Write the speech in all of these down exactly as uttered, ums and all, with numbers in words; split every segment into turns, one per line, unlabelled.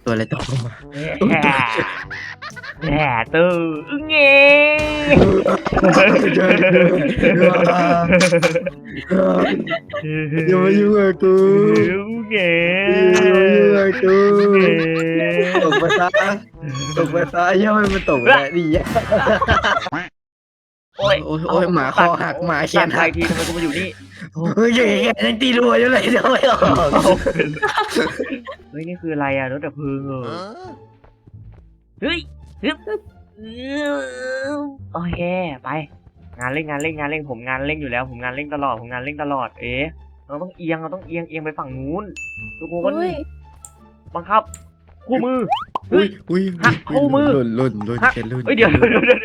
ตัวอะไรตกลงมา
แหมตู้เงี้ย
อย่ามายุ่งกับกู
เงี้
อย่ามายุ่งกับกู
เงี้
ตกไปซะตกไปซะย่าให้มันตกไปได้ดีอ่ะ
โอ้ย
โอ้ยโอ้ยหมาคอหักหมาแข
สั่
น
น
หั
ไท
ก
ยทีทำไมกูมาอยู่นี่
เฮ้ยยังยังตีรัวอยู่เลยเดี๋ยวไม่ออก
เฮ้ยนี่คืออะไรอ่ะรถดับเพลิงเหรอเฮ้ยฮึบโอเคไปงานเร่งงานเร่งงานเร่งผมงานเร่งอยู่แล้วผมงานเร่งตลอดผมงานเร่งตลอดเอ๊ะเราต้องเอียงเราต้องเอียงเอียงไปฝั่งนู้นทุกคนบังคับคู่มือ
อุ้ยอุ้ย
หักคู่มือ
หล่นหล่นหล่นแกหล่น
เฮ้ยเดี๋ยวเดี๋ยวเดี๋ยว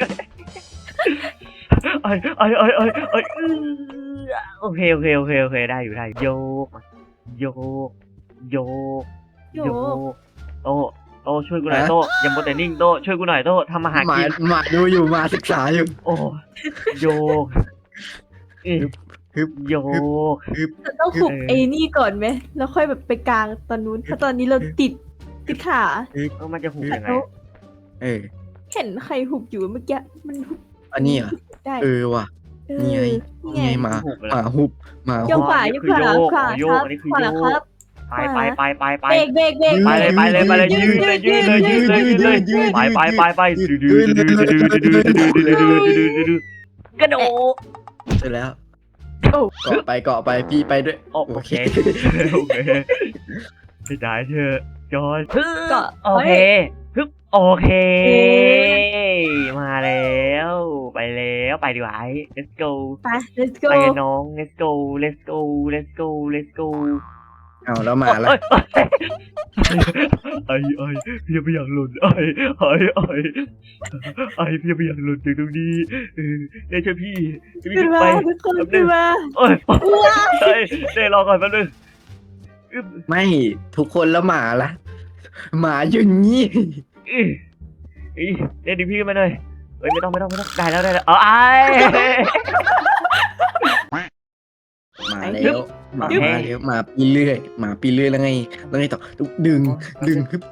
ไอ้ไอ้ไอ้ไอ้ไอ้โอเคโอเคโอเคโอเคได้อยู่ได้โยกโยกโยกโยกโตโตช่วยกูหน่อยโตอย่าโมเตนิ่งโตช่วยกูหน่อยโตทำอาหาร
หมา
กิน
หมาดูอยู่หมาศึกษาอยู่
โอ้โยก
ฮึบ
โยก
ฮึบ
จะต้องหุบไอ้นี่ก่อนไหมแล้วค่อยแบบไปกลางตอนนู้นถ้าตอนนี้เราติดติดขา
เออมันจะหุบยังไง
แล้ว
เออ
เห็นใครหุบอยู่เมื่อกี้มันหุบ
อันนี้เหรอ
ได้
เออว่ะ
เออ
นี่ไง
นี่
นี่
ไง
ไงหมา
หุบไป
ห
แล้ว
มาหุบหมา
โย
หุ
ก
บ
ขวาโยกขวาขวา
โย
ค
ก
รับ
อันนี้คือ
ขวา
โย
ครั
ก
บ
ไปไปไปไปไป
เบรกเบรกเบรก
ไปเลยไปเลยไปเลยยืนเลยยืนเลยยืนเลยยืนเลยไปไปไปไปดื้อดื้อดื้อดื้อดื้อดื้อดื้อดื้อดื้อดื้อดื้อดื้อกระโดด
เสร็จแล้ว
โอ้
เกาะไปเกาะไปพี่ไปด้วย
โอเคโอเคไม่ได้เธอจอย
ก็
โอเคฮึบโอเค มาแล้วไปแล้วไปดีกว่า let's go
ไป let's go
ไปกันน้อง let's go let's go let's go let's go
เอาแล้วหมาละ
ไอ้ไอ้พี่ไม่อยากหล่นไอ้ไอ้ไอ้ไอ้พี่ไม่อยากหล่นจากตรงนี้เออเดี๋ยวช่วยพี่พี่
ขึ้นมา
ไป
ทุกคนขึ้นมา
โอ้ยเฮ้ยเดี๋ยวรอก่อนแป๊บนึง
ไม่ทุกคนแล้วหมาละหมาอยู่นี่
อีอีเดี๋ยวดิพี่มาหน่อยเฮ้ยไม่ต้องไม่ต้องไม่ต้องได้แล้วได้แล้วเอาไอ้
มาแล้วหมามาแล้วหมาปีเรื่อยหมาปีเรื่อยแล้วไงแล้วไงต่อดึงดึงฮึบ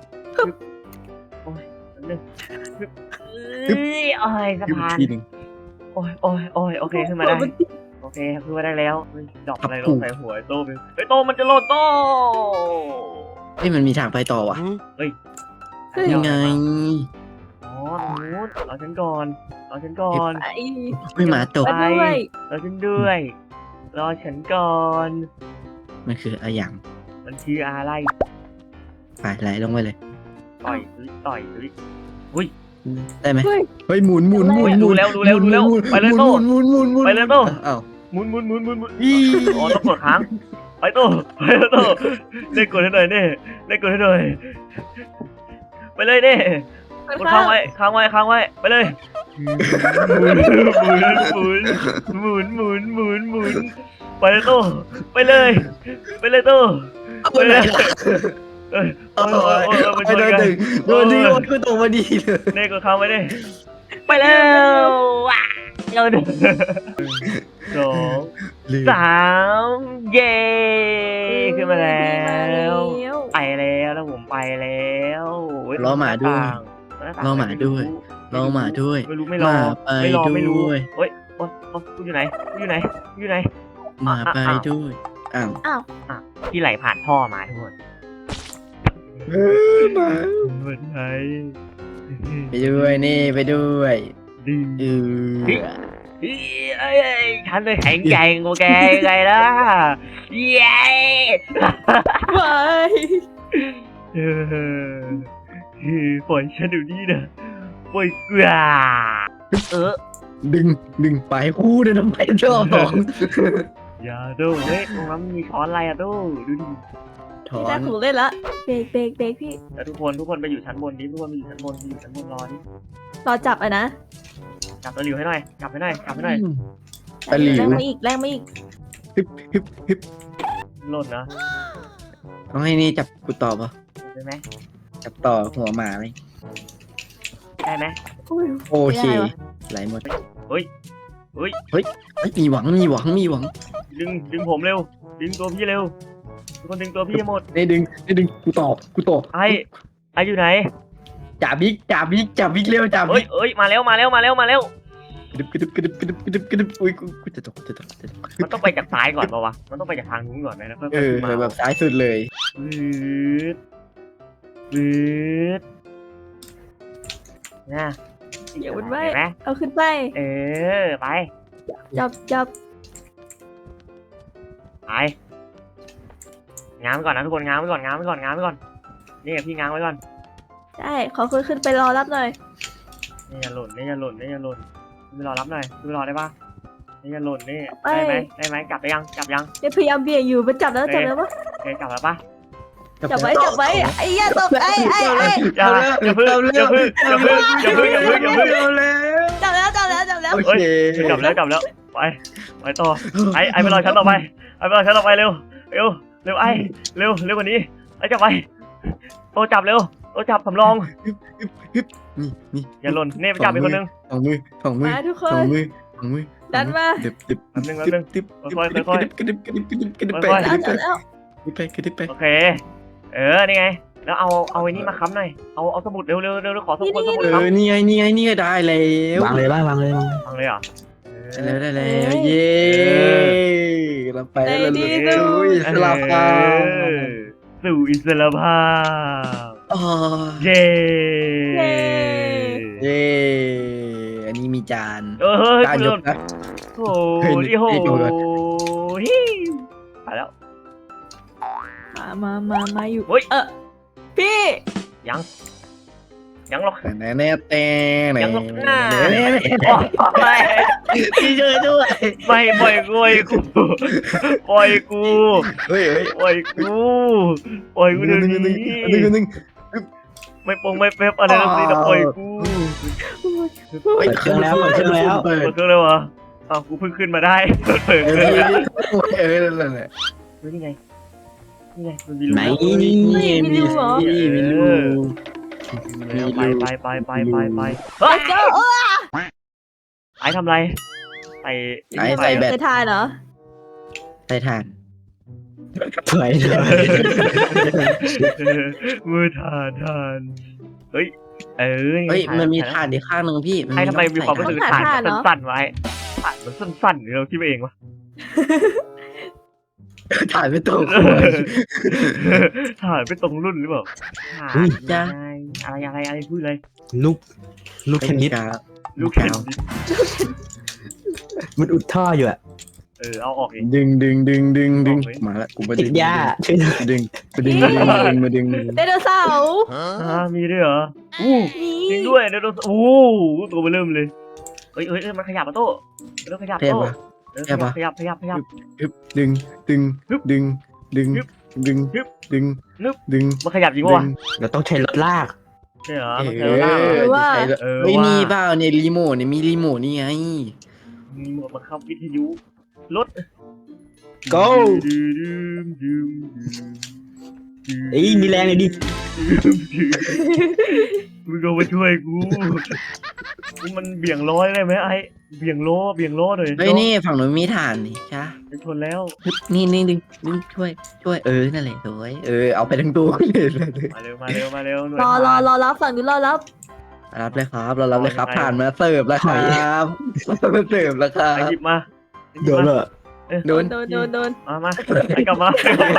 นึงเอ้ยโอ้ยสะ
ฮึบ
พาน
ทีหนึ่ง
โอ้ยโอ้ยโอ้ยโอเคขึ้นมาได้โอเคขึ้นมาได้แล้วดอกอะไรลงใส่หัวไอ้โต้ไปไอ้โต้มันจะโลดโต้
เฮ้ยมันมีทางไปต่อว่ะ
เฮ้ย
ยังไง
อ๋อตรงนู้นเอาฉันก่อนเอาฉันก่อน
ไอ้
ไม่หมาตก
ไปด้วย
เอาฉันด้วยรอฉันก่อน
มันคืออะไรอย่าง
มันคืออะไร
ไปไหลลงไปเลย
ต่อยหรือต่อยหรือ
ได้ไหม
เฮ้ย
เฮ้ยหมุนหมุนหมุนหมุ
รู้
น
แล้วรู้แล้วรู้แล้วไปเลยโต้
หมุนหมุนหมุน
ไปเลยโต้
อ้าว
หมุนหมุนหมุนหมุนหมุน
อี
อ๋อต้องกดค้างไปโต้ไปโต้เล่นกดให้หน่อยเน่เล่นกดให้หน่อยไปเลยเน่กดค้างไว้ค้างไว้ค้างไว้ไปเลยหมุนหมุนหมุนหมุนหมุนหมุนหมุนไปเลยโต้ไปเลยไปเลยโต้
ไปเลย
เอ้ย
โอ้
โอ้ยโอ้ยโอ้ยมันช
โด
น
น
กัน
ดึงโดนดึงโดนก็ตกมาดีเลย
เน่กดค้างไว้เน่ไปแล้วว้าเราหนึ่งสองสามเย้ขึ้นมาแล้วไปแล้วแล้วผมไปแล้วรอหมาด้วยไม่รู้ไม่รอไม่รอไม่รู้เฮ้ยโอ้ยกูอยู่ไหนกูอยู่ไหนกูอยู่ไหน
หมาไปด้วยอ้าว
อ้าว
ที่ไหลผ่านท่อมาทุกคน
เออหมา
คนไทย
ไปด้วยนี่ไปด้วย
ดี
เออ
เอ้ยฉันเลยแข็งแกร่งกว่าแกไงล่ะเย้
ไป
เออปล่อยฉันเดี๋ยวนี้นะปล่อยกว่าเออ
ดึงดึงไปคู่เดินทำไมชอบสอง
อย่าดูเฮ้ยตรงนั้นมีช้อนอะไรอะดูดูดิ
ถอ
พี่ได้
น
ถูกเล่นละเบรกเบรกเบรกพี่
แล้วทุกคนทุกคนไปอยู่ชั้นบนดิทุกคนไปอยู่ชั้นบนไปอยู่ชั้นบนรอดิ
รอจับอ่ะนะ
จับตะหลิวให้หน่อยจับให้หน่อยจับให้หน่อย
ตะหลิว
แรงมาอีกแรงมาอีก
ฮึบฮึบฮึบ
หล่นนะ
ต้องให้นี่จับกูต่อปะ
ได้ไหม
จับต่อหัวหมาไหม
ได้ไหม
อุ้ย
โอเค
ไม่ได้วะ
ไหลหมด
เฮ้ยเฮ้ย
เฮ้ยมีหวังมีหวังมีหวัง
ดึงดึงผมเร็วดึงตัวพี่เร็วทุกคนดึงตัวพี่ให้หมด
ได้ดึงได้ดึงกูตอบกูตอบ
ไอ้ไออยู่ไหน
จ่าบิ๊กจ่าบิ๊กจ่าบิ๊กเร็วจ่า
เอ้ย
บิ๊ก
เอ้ยมาแล้วมาแล้วมาแล้วมาแล้ว
กระดึบกระดึบกระดึบกระดึบกระดึบกระดึบอุ้ยกูกูจะตกจะตกจะตก
มันต้องไปจากซ้ายก่อนป่าวะมันต้องไปจากทางนู้นก่อนไหมแล้วค่อย
เอ
ๆ
อ
ขึ้นมา
แบบซ้ายสุดเลย
วืดวืดนะ
เดี๋ยวมันไม่
เห็นไหม
เอาขึ้นไป
เออไป
จับจับ
ไปง้างไว้ก่อนนะทุกคนง้างไว้ก่อนง้างไว้ก่อนง้างไว้ก่อนนี่พี่ง้างไว้ก่อน
ได้ขอขึ้นขึ้นไปรอรับหน่อย
นี่อย่าหล่นนี่อย่าหล่นนี่อย่าหล่นไปรอรับหน่อยไปรอได้ปะนี่อย่าหล่นนี่ได้ไหมได้ไหมจับได้ยังจับยัง
เนี่ยพยายามเบี่ยงอยู่มันจับแล้วจับแล้วปะ
โอเคจับแล้วปะ
จับไว้จับไว้ไอ้ย่าตกไอ้ไอ้ไอ้
อย่าอย่าพึ่งอย่าพึ่งอย่าพึ่งอย่าพึ่งอย่าพึ่งอย่าพึ่ง
เอาแล้ว
จับแล้วจับแล้วจับแล้ว
โอเค
จับแล้วจับแล้วไปไปต่อไอ้ไอ้ไปรอชั้นต่อไปไอ้ไปรอชั้นต่อไปเร็วเร็วเร็วไอ้เร็วเร็วกว่านี้ไอ้จับไปโตจับเร็วโตจับสำรอง
นี่นี่
อย่าหล่นนี่ไปจับอีกคนนึง
สองมือสองมือ
มาทุกค
สอน งมือสองมือ
ดันมา
ดึบดึบ
แป๊บนึงแป๊บนึง
ดึบ
ค่อยๆค่อยๆ
กระดึบกระดึบกระดึบกระดึบไป
ค่อย
จับแล้วจับแล้ว
กระดึบไปกระดึบไป
โอเคเออนี่ไงแล้วเอาเอาไอ้นี่มาค้ำหน่อยเอาเอาสมุดเร็วเร็วเร็วขอสมุดสมุด
เอ
ค้
อนี่ไงนี่ไงนี่ไงได้แล้ว
วางเลยบ้างวางเลยวาง
ำฟังเลยเหรอ
ได้แล้วได้แล้วเย้เราไปแล้วเราลุยสลับกั
เออสู่อิสระภาพ
อ๋อ
เย้
เย้
เย้อันนี้มีจาน
เออเฮ้ย
จาน
คุณ
ย
โด
ก
น
นะ
โอ้
เฮ้ย
โหโอ้
นี่
โห
ดูก่อน
ฮิไปแล้ว
มามามามาอยู่
เฮ้ย
เออพี่
ยังยังหรอก
แต่แน่แน่แต่แน่
ยังหลบหน้า
แน่
โอ้ย
พี่ช่วยด้วย
ไม่ปล่อยกูปล่อยกูปล่อยกู
เฮ้ยเฮ้ย
ปล่อยกูปล่อยกูเดี๋ยว
หนึ่งหนึ่ง
นี้
หนึ่งหนึ่งหนึ่ง
ไม่ปงไม่เป๊บอะไรทั้งสิ้นนะปล่อยกู
เปิดเครื่องแล้วเปิดเครื่องแล้ว
เปิด
เปิดเครื่องเลยวะอ้าวกูเพิ่งขึ้นมาได้เปิดเค
เอ
รื่องแล้ว
อเออนั่นแหละ
เฮ้ยนี่ไงนี่ไงมันมีรู
ไหน
นี่มีมีมีรู
แล้วไปไปไปไปไปไป
ไปเจ้าเออ
ไอ้ทำไรไอ้
ไอ้ใส่แบต
จะทานเหรอ
ใส่ถ่าน
เผยเลย
มือทานทานเฮ้ยเออ
เฮ้ยมันมีถ่านอีกข้างหนึ่งพี่
ไอ้ทำไมมีความรู้
ใส่
สึกถ่านมันสั้นๆไว้ถ่านมันสั้นๆเราคิดไปเองวะ
ถ่านไม่ตรง
ถ่านไม่ตรงรุ่นหรือเปล่าถ่านอะไรอะไรอะไรพูดเลย
ลูกลูกเทนนิส
ลูกเข็น
มันอุดท่ออยู่อะ
เออเอาออกเอง
ดึงดึงดึงดึงดึงมาละกูมา
ติ
ดึ
ด
ง
หญ้าช่วยหน่อย
ดึงมาดึงมาดึงมาดึงมาดึง
ไดโนเสาร์
อ่ามีด้วยเหรออู้
มี
จริงด้วยเดี๋ยวโดนโอ้ตัวไปเริ่มเลยเฮ้ยเฮ้ยมันขยับมาโต้เริ่มขยับ
เทพ
โต้
ปะ
ขยับขยับขยับขยับ
ฮึบดึงดึงดึงดึงดึงดึงดึง
มันขยับจริงวะ
เราต้องใช้รถลาก
ใช่เหรอ
เอ
มันเจอล่า
อ
ว่า
เออ
ไม่มี
ว่า
เปล่าเนี่ยรีโมทเนี่ยมีรีโมทนี่ไง
มีหมวกบังคับวิทยุรถ
go เอ้ยมีแรงเลยดิ
มึงก็มาช่วยกูมันเบี่ยงล้อได้ไหมไอ้เบี่ยงล้อเบี่ยงล้อหน่อย
เฮ้ยนี่ฝั่งนู้นมีถ่านนี่ใช่
จะชนแล้ว
ฮึบนี่นี่ดึงดึงช่วยช่วยเออนั่นแหละสวยเออเอาไปทั้งตัวเลยเลย
มาเร็วมาเร็วมาเร็วหน่วย
รอรอรอรับฝั่งนู้นรอรับ
รับเลยครับเรารับเลยครับผ่านมาเสิร์ฟแล้วครับมาเสิร์ฟแล้วครั
ไอ้
บ
หยิบมา
โดนเหรอ
โดน
โดนโดนโดน
มามาไอ้กลับมาไอ้กลับมา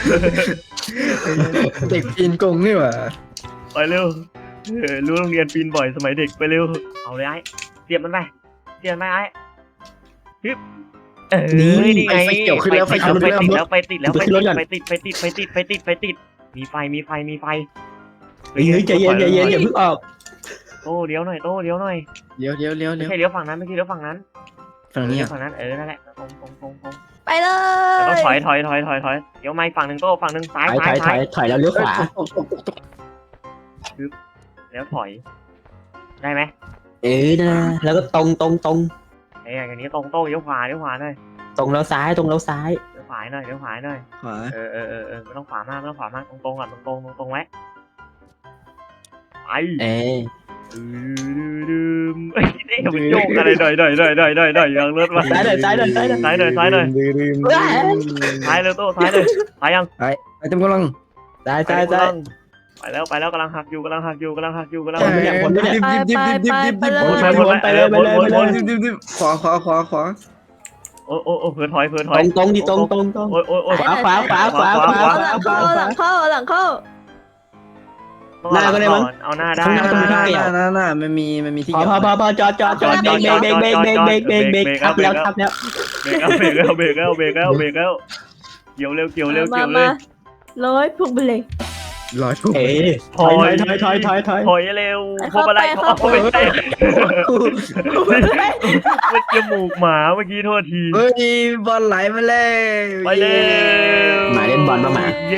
เด็กปีนกงนี่หว่า
ไปเร็วเออรู้โรงเรียนปีนบ่อยสมัยเด็กไปเร็วเอาเลยไอ้เสียบมันไปเสียบมันไปไอ้ฮึบเออนี่ไงไปติดแล้วไปติดแล้วไปติดแล้วไปติดไปติดไปติดไปติดไปติดไปติดมีไฟมีไฟมีไฟ
เฮ้ยเฮ้ยใจเย็นใจเย็นอย่าเพิ่งออก
โต้เลี้ยวหน่อยโต้เลี้ยวหน่อย
เดี๋ยวเดี๋ยวเดี๋ยว
ไม่
เดี๋ยว
ใช่เลี้ยวฝั่งนั้นไม่ใช่เลี้ยวฝั่งนั้น
ฝั่งนี้
เลี้ย
อ่ะ
วฝั่งนั้นเออนั่นแหละตรงตรงตรงตรง
ไปเล
แต่ต้อง
ย
ถอยถอยถอยถอยถอยเดี๋ยวไม่ฝั่งหนึ่งโต้ฝั่งหนึ่งซ้าย
ถอยถ
ซ้า
อย ยถ
ซ้า
อย ยถอยแล้วเลี้ยวขวา
แล้วถอยได้ไหม
เอ้ยนะแล้วก็ตรงตรงตรง
เอ้ยอย่างนี้ตรงโต้เลี้ยวขวาเลี้ยวขวาหน่อย
ตรงแล้วซ้ายตรงแล้วซ้าย
เลี้ยวขวาหน่อยเลี้ยวขวาหน่อย
ขวา
เออเออเออเออไม่ต้องขวามากไม่ต้องขวามากตรงตรงก่อนตรงตรงตรงตรงไว้ไป
เอ้ย
ดืมดืมเอ้ยนี่มันโยกอะไรหน่อยหน่อยหน่อยหน่อยหน่อยหน่อยยังรถมา
ซ้ายหน่อยซ้ายหน่อยซ้ายหน่อย
ซ้ายหน่อยซ้ายหน่อย
ดึงดึง
ซ้ายเลยโต้ซ้ายเลยซ้ายยัง
ไปเต็มกำลัง
ซ้ายซ้ายซ้าย
ไปแล้วไปแล้วกำลังหักอยู่กำลังหักอยู่กำลังหักอยู่กำลัง
ใช่
หักอยู่
ดิบดิบดิบดิบดิบดิบดิบ
ไปเลยไปเลยไปเลยไปเลย
ดิบดิบดิบขวาขวาขวาขวา
โอ้โอ้โอ้เผื่อถอยเผื่อถ
ต
อย
รงตรงดิตรงตรงตรง
โอ้ยโอ้ยโอ้ย
ขวาขวาขวาขวาขวา
เอาหลังเข้าเอาหลังเข้าเอาหลังเข้า
หน้าก็ได้มั้ง
เอาหน้าได้
ข้างห
ห
น้า
น้าหน้าหน้าหน้ามันมีมันมีที่
พอ
เกี่ยว
พอพอพอจอดจอดจอดเบรกเบรกเบรกเบรกเบรกเบรกเบรกเบรกทับแล้วทับแล้ว
เบรกเอาเบรกเอาเบรกเอาเบรกเอาเบรกเอาเกี่ยวเร็วเกี่ยวเร็ว
มา
เกี่ยวเล
มาย ร้อยพวงไปเลย
ร้อยปุ๊บ
เอ๊ถอยถอยถอยถอยถอย
ถอยเร็วพวกอะไรเขาเอาไปใส่มันจมูกหมาเมื่อกี้โทษที
เฮ้ยบอลไหลมาเลย
ไปเร็ว
หมาเล่นบอลมาหมา
เย้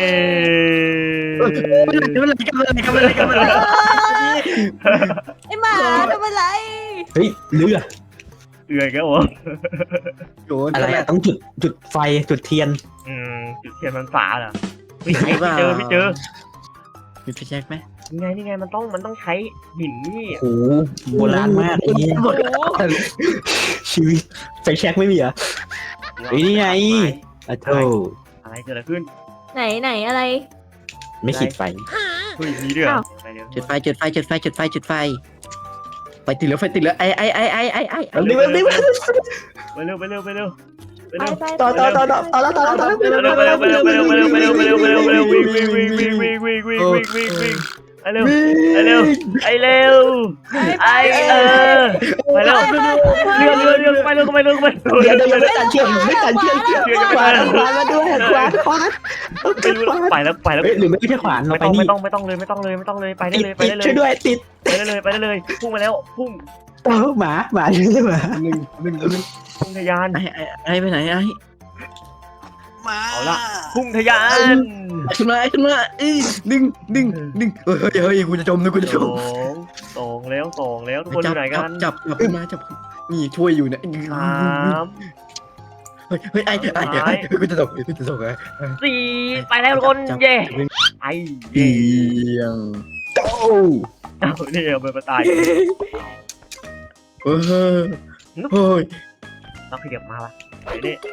มันไหลกันมันไหลกันมันไหลกันมันไหล
ไอ้หมาทำอะไร
เฮ้ยเรือ
เอื่อยแกวะ
อะไรอะต้องจุดจุดไฟจุดเทียน
อืมจุดเทียนมันฝาเหรอไม่ใช่พี่เจอพี่เจอ
มีพี่แจ็คไหม
นี่ไงนี่ไงมันต้องมันต้องใช้หินนี่
โอ้โหโบราณมากไอ้นี่
โอ้โห
ชีวิตไฟแช็กไม่มีเหรอ เฮ้ยนี่ไง อะโธ่
อะไรเกิดอะไรขึ้น
ไหนไหนอะไร
ไม่ขีดไฟ
เฮ้ยมีด้วยเหรอไปเร็ว
จุดไฟจุดไฟจุดไฟจุดไฟจุดไฟไฟติดแล้วไฟติดแล้วไอไอไอไอไอไอ
เอาดิเอาดิ
ไปเร็วไปเร็วไปเร็วไป
ไป
เร็ว
ไป
ต่อต่อต่อต่อต่อแล้วต่อแล้วต่อแล้ว
ไปเร็วไปเร็วไปเร็วไปเร็วไปเร็วไปเร็วไปเร็วไปเร็วไปเร็ววิ่งวิ่งวิ่งวิ่งวิ่งวิ่งวิ่งวิ่งวิ่งวิ่งไอเร็วไอเร็วไอเร็วไอเออไปเร็วเรือเรือเรือไปเร็วไปเร็วไปเร็ว
เดี๋ยวเดี๋ยวไม่ตัดเชือกไม่ตัดเชือกขวานขวานมาด้วยขวานขวาน
ไม่รู้ไปแล้วไปแล้ว
เฮ้ยหรือไม่ใช่ขวานเรา
ไม่
ไป
ต้อง
นี่
ไม่ต้องไม่ต้องเลยไม่ต้องเลยไม่ต้องเลยไปได้
ติด
เลยไป
ติด
ได้เล
ช่วย ยด้วยติด
ไปได้เลยไปได้เลยพุ่งมาแล้วพุ่ง
เออหมาหมาช่วยหมา
หนึ่งหนึ่งหนึ่ง
พุ่งทะยาน
ไอไอไอไปไหนไอ
เอาละพุ่งทะยาน
ขึ้นมาขึ้นมาเอ้ยดึงดึงดึงเฮ้ยเฮ้ยกูจะจมนะกูจะ
ส
จ
อ
ม
งสองแล้วสองแล้วทุกคนอยู่ไหนกัน
จับจับขึ้นมาจับนี่ช่วยอยู่เนี่ย
สาม
เฮ้ยเฮ้ยไอ้ไอ้ไอ้กูจะตกกูจะตกไอ้
สี่ไปแล้วทุกคนเย่ไอ
เอี
เย่
ยง
โต้
เอาเนี่ยเอาไปมาตาย
เฮ้ยเฮ้ย
ต้องขยับมาปะไอ้นี่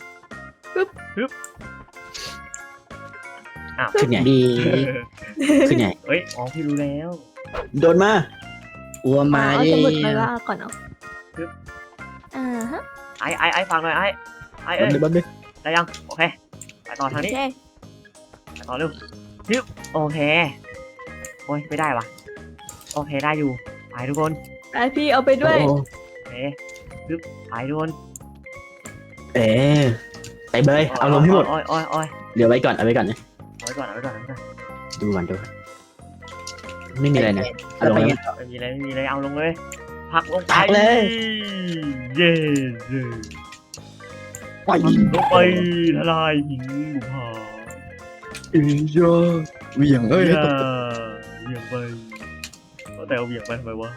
ขึ้นไง
ดี
ขึ้นไง
เฮ้ยอ๋อพี่รู้แล้ว
โดนมา
อัวมา
เอา
ดิ
สมุดไปว่าก่อนเอาอ่าฮะ
ไอไอไอฟังหน่อยไอไอ
บั
เอ้
น
ย
ดึบันดึ
ได้ยังโอเคไปต่อทาง
โอ
นี้
เค
ไปต่อเร็วยึบโอเคโอ้ยไม่ได้วะโอเคได้อยู่ไปทุกคน
ไปพี่เอาไปด้วย
โอเคยึบไปทุกคน
เอ๊ไปเบยเอาลงให้หมด
อ้อยอ้อยอ้อย
เดี๋ยวไว้ก่อนเอาไว้ก่อนนะ
เอาไว้ก่อนเอาไว้ก่อนเอาไว้ก่อน
ดูก่อนดูก่อนไม่มีอะไรนะเอาลงแล้ว
ไม่มีอะไรไม่มีอะไรเอาลงเลยพักลงไป
พักเลย
เย้เย้
ไป
ลงไปทลายหินบุพา
อีโยเวียงเอ้ย
อย่าเหวี่ยงไปแต่เอาเหวี่ยงไปทำไมวะ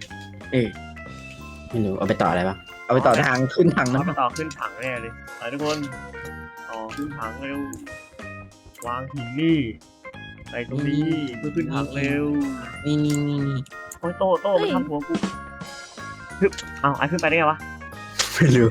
ไม่รู้เอาไปต่ออะไรบ้าง
เอาไปต่อทางขึ้นทาง
เอา
นั้น
ไปต่อขึ้นถังแน่เลยไปทุกคนต่อขึ้นถังเร็ววางหินนี่ไปตรงนี้เพื่อขึ้นถังเร็ว
นี่นี่นี่นี่
โอ้ยโตโตมันทำหัวกูฮึบเอาไอ้ขึ้นไปได้ไงวะ
ไม่รู้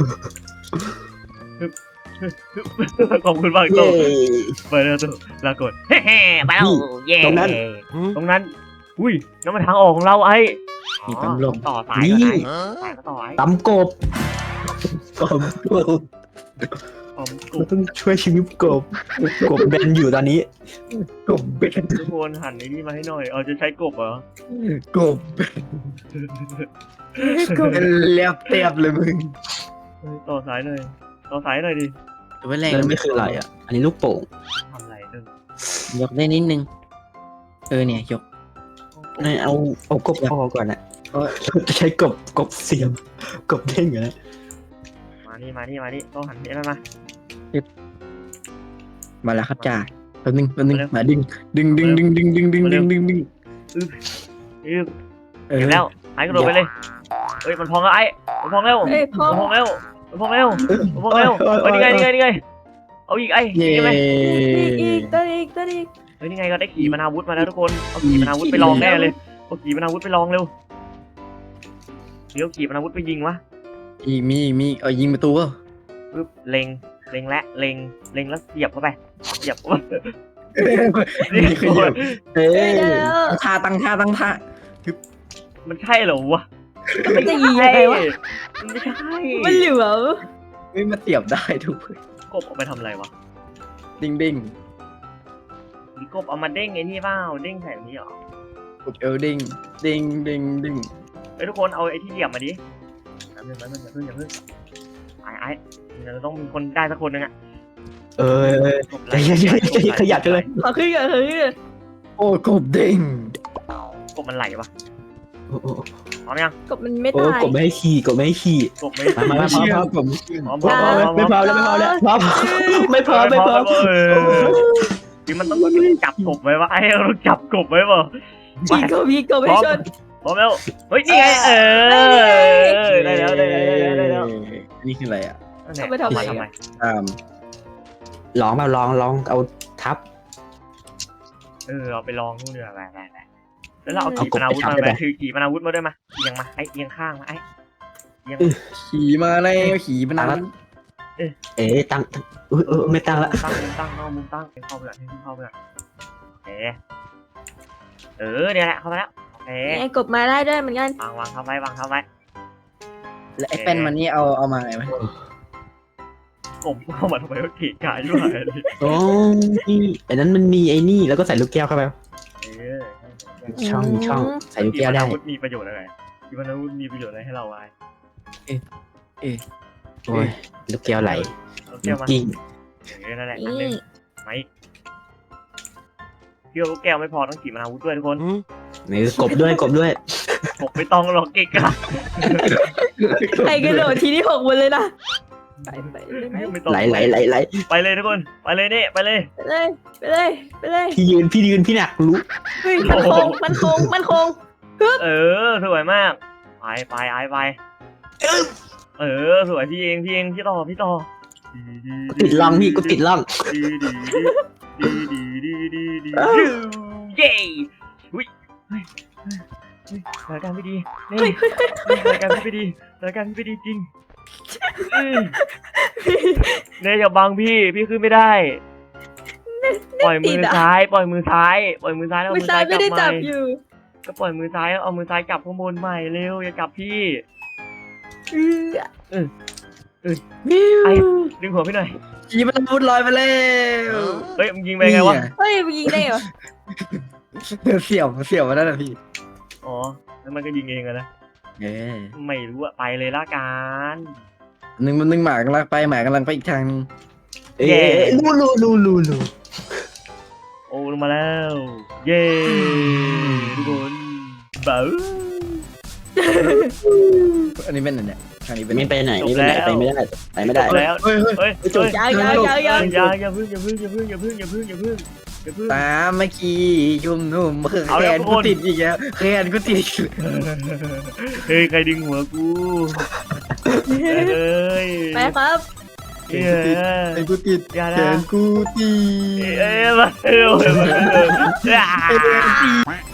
ฮึบขอบคุณมากโต
เย้
ไปแล้วโตลากดเฮ้ไปแล้วเย้
ตรงนั้น
ตรงนั้น อุ้ยน้ำมันทางออกของเราไอ้
มีตำรวจ
ต่อสายก่อนไอ้สายก็ต่อไอ้
ตำกบกบกบ
ผมก
เรา
บ
ต้องช่วยชีวิตกบกบแบนอยู่ตอนนี้
กบเป็น
ทุกคนหันไอ้นี่มาให้หน่อยเอาจะใช้กบเหรอก
บเป็นเรียบเรียบเลยมึง
เฮ้ยต่อสายหน่อยต่อสายหน่อยดิ
ตัวแรก
นั่นไม่คืออะไรอ่ะ อันนี้ลูกโป่ง
ทำอะไรเออย
กได้นิดนึงเออเนี่ยยก
นี่เอาเอากบพอก่อนนะ
เออ
เราจะใช้กบกบเสียมกบเด้งอยู่นะ
มานี่มานี่มานี่ต้องหันนี่นั่นมา
มาแล้วครับจ่าแป๊บนึงแป๊บนึงมาดึงดึงดึงดึงดึงดึงดึงดึงดึงดึง
อือ
เออ
เก็บแล้วไอ้กระโดดไปเลยเฮ้ยมันพองแล้วไอ้มันพองแล้ว
เอ้ยพอ
มันพองแล้วมันพองแล้วมันพองแล้วเฮ้ยนี่ไงนี่ไงนี่ไงเอาอีกไอ้
เย้
ใช่ไหม
อีกอีกตัวอีกตัวอีก
เฮ้ยนี่ไงก็ได้ขี่มนาวุธมาแล้วทุกคนเอาขี่มนาวุธไปลองแน่เลยเอาขี่มนาวุธไปลองเร็วเดี๋ยวขี่มนาวุธไปยิงวะ
อีกมีอีกมีเอายิงประตูก็
ปึ๊บเล็งเล็งและเล็งเล็งแล้วเสียบเข้าไปเสียบเข้าไปนี่
นี่
คื
คือ อเยอะ
เอ้
เอ้ย
ย
เดี๋ยว
ตั้งท่าตั้งท่าตั้งท่า
มันใช่เหรอวะ
มันจะยิงยังไงวะ
มันไม่ใช่
มันเหลือ
ไม่มาเสียบได้ทุกคน
กบเอาไปทำอะไรวะ
ดิ้งดิ้ง
มีกบเอามาเด้งไอ้นี่เปล่าเด้งแถวนี้เหรอ
กดเอลดิ้งดิ้งดิ้งดิ้ง
เฮ้ยทุกคนเอาไอ้ที่เหลี่ยมมาดิอย่าเพิ่งอย่าเพิ่งอย่าเพิ่งอย่าเพิ่งไอ้ไอ้เราต้องมีคนได้สักคนนึงอะ
เออเออ ใจเย็นใจเย็นใจเย็นขยับจังเลย
ขอขึ้นก่อนขอขึ้นก่อน
โอ้กบดิ้ง
กบมันไหลปะ
โอ้โห
พร้อมยัง
กบมันไม่
โอ้
ตาย
กดไม่ให้ขี่กดไม่ให้ขี่
กบไม่
มามา
ไม่
มา
เชื่อ
พร้อม
ผมไม่เชื่อ
พร้อม
พร้อมไม่พร้อมแล้วไม่พร้อมแล้วพร้อมไม่พร้อมไม่พร้อม
เออคือมันต้องจับกบไว้วะไอ้เราจับกบไว้ป่ะ
ฉีกกบยีกบให้ชน
พร้อมแล้วเฮ้ยนี่ไงเออได้แล้วได้แล้วได้แล้ว
นี่คืออะไรอ่ะ
เอาไปทำไมทำไม
ตาม
ลองมาลองลองเอาทับ
เออเอาไปลองนู่นเดือไปไปไปแล้วเราเอาขีปนาวุธมาไปถือขีปนาวุธมาด้วยมาเอียงมาไอ้เอียงข้างมาไอ้เอียง
ขี่มาแล้วขี่มันนั้น
เอ๊ะตั้งเออเออไม่ตั้งละ
ตั้งมุมตั้งเข้ามุมตั้งเข้าไปละเข้าไปละเออเออเนี่ยแหละเข้ามาแล้วโอเค
ไอ้กบมาได้ด้วยเหมือนกัน
วางวางเข้าไว้วางเข้าไว้
แล้วไอ้แป้นมันนี่เอาเอามาไงไหม
ผมเข้ามาทำไมว่าเกะกะอยู่ไหน
โอ้นี่อันนั้นมันมีไอ้นี่แล้วก็ใส่ลูกแก้วเข้าไป
เออ
ช่องช่องใส่ลูกแก้วได้
ขีปนาวุธมีประโยชน์อะไรขีปนาวุธมีประโยชน์อะไรให้เราไว้
โอ้ยลูกแก้วไหล
เราแก้วมา
กิ้ง
เออนั่นแหละอัน
นี่
นึงไม่เที่ยวลูกแก้วไม่พอต้องขีปนาวุธด้วยทุกคน
นี่กบด้วยกบด้วย
ผมไม่ต้องหรอกเกะกะ
ไอ้กระโดดทีนี้หกหมดเลยนะไปไปเลยไหม
ไม่ต้อง
ไหลไหลไหลไหล
ไปเลยทุกคนไปเลยนี่ไปเลย
ไปเลยไปเลยไปเลย
พี่ยืนพี่ยืนพี่หนักรู้
เฮ้ยมันคงมันคงมันคง
เออสวยมากไปไปไอไปเออสวยพี่เองพี่เองพี่ต่อพี่ต่อ
ติดล่องพี่กูติดล่อง
ดีดีดีดีดีดีดีเย้อุ้ยเฮ้ยสถานการณ์ไม่ดีนี่สถานการณ์ไม่ดีสถานการณ์ไม่ดีจริงเน่อย่าบังพี่พี่ขึ้นไม่ได้ปล่อยมือซ้ายปล่อยมือซ้ายปล่อยมือซ้ายแล้ว
มือซ้ายไม่ได้จับอยู่
ก็ปล่อยมือซ้ายเอามือซ้ายจับข้างบนใหม่เร็วอย่าจับพี่
เออ
ไอ้ดึงหัวพี่หน่อย
ขี่มันมุดลอยมาแล้ว
เฮ้ยมึงยิงไปไงวะ
เฮ้ยมันยิงได้เหรอ
เสี่ยวเสี่ยวมาแล้วนะพี่
อ๋อแล้วมันก็ยิงเองอะนะ
เออ
ไม่รู้อะไปเลยละกัน
หนึ่งมันหนึ่งหมากำลังไปหมากำลังไปอีกทางนึง
เอ๊ะรู้รู้รู้รู้รู้
โอ้ลงมาแล้ว เย้ทุกคนเบ้า
อันนี้เป็นอะไรเนี่ยทางนี้เป็น
ไม่ไปไหนไม่ไปไหนไปไม่ได้ไปไม่ได้
แล้ว
เฮ้ยเฮ้ย
เฮ้ย
จบ
ยังยังยังยัง
อย่าอย่าพึ่งอย่าพึ่งอย่าพึ่งอย่าพึ่งอย่าพึ่งอย่าพึ่งอย่าพึ่งอย่าพึ่ง
ตามมาขี่ชุ่มนุ่มคือ
เอา
แข
แล้ว
น
ทุก
กู
คน
ติดอีกแล้วแขนกูติด
เฮ้ยใครดึงหัวกูเอ้ย
ไปครับ
เอ้ย
แขนกูติด
อย่า
แข
นะ
นกูติด
เอ้ยมาเร็วมาเร็ว